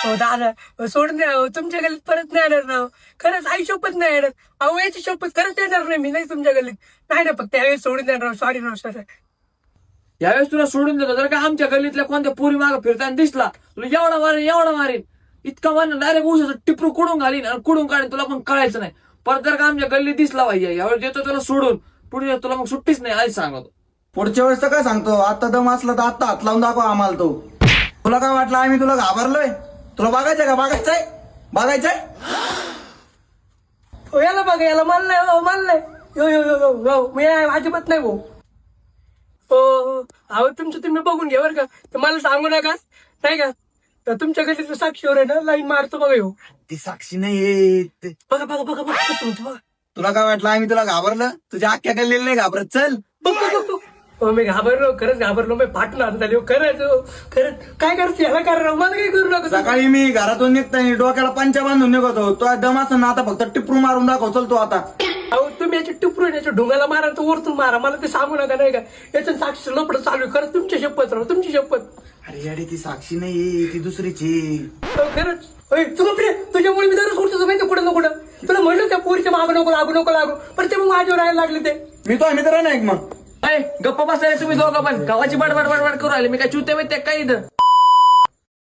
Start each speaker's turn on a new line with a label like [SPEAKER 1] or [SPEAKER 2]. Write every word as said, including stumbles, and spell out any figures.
[SPEAKER 1] हो दादा हो, सोडून द्या हो, तुमच्या गलीत परत नाही येणार राव. खरंच आई शपथ नाही येणार. अहो याची शपथ खरंच येणार नाही मी नाही तुमच्या गलीत. नाही ना फक्त यावेळेस सोडून द्या राव. सॉरी राव सर.
[SPEAKER 2] यावेळेस तुला सोडून देतो जर का आमच्या गल्लीतल्या कोणत्या पुरी मागे फिरताना दिसला तुला एवढा मारेन एवढा मारेन इतका मारेन डायरेक्ट उसाचं टिपरू कुडून घालीन आणि कुडून काढीन तुला पण कळायचं नाही. परत जर का आमच्या गल्लीत दिसला पाहिजे यावेळेस देतो तुला सोडून पुढे तुला मग सुट्टीच नाही आधी सांगतो.
[SPEAKER 3] पुढच्या वेळेस तर काय सांगतो, आता दम असला तर आता हात लावून दाखव आम्हाला तो. तुला काय वाटलं आम्ही तुला घाबरलोय? तुला बघायचंय का? बघायचंय बघायचंय
[SPEAKER 1] हो याला बघा याला मान नाही हो मान नाही. यो यो यो यो यो मी अजिबात नाही भाऊ. हो हो अहो तुमचं तुम्ही बघून घ्या बरं का. तर मला सांगू नका नाही का. तर तुमच्या गलीतलं साक्षीवर आहे ना लाईन मारतो बघा येऊ.
[SPEAKER 3] ती साक्षी नाही.
[SPEAKER 1] बघा बघा बघा बघा कसं होतं बघा.
[SPEAKER 3] तुला काय वाटलं आम्ही तुला घाबरलं? तुझ्या अख्ख्या गल्लीला नाही घाबरत. चल
[SPEAKER 1] बघ बघ बघ हो मी घाबरलो खरंच घाबरलो मी फाटून हात झाली खरंच हो. खरंच काय करायचं याला करा मला काही करू नका.
[SPEAKER 3] सकाळी मी घरातून निघताना डोक्याला पंचा बांधून निघतो. तो दम असं ना आता फक्त टिपरू मारून दाखव. चल तू आता.
[SPEAKER 1] अहो तुम्ही याच्या टिपरून याच्या ढोंगाला मारा तर वरतून मारा मला ते सांगू नका नाही का. याचं साक्षी लपड चालू आहे खरंच तुमची शपथ राव तुमची शपथ.
[SPEAKER 3] अरे अरे ती साक्षी नाही ती दुसरीची.
[SPEAKER 1] अहो, खरंच होय तू प्रिय तुझ्यामुळे मी दररोज उठतो माहिती कुठं ना कुठं. तुला म्हणलं त्या पोरीच्या मागं नको लागू नको लागू पण ते मग माझ्यावर राहायला लागले ते.
[SPEAKER 3] मी तो मित्र नाही मग.
[SPEAKER 2] अय गप्पा बसायला तुम्ही दोघं पण गावाची बडबड बडबड करू राहिले मी काय चुते माहिती काय इथं.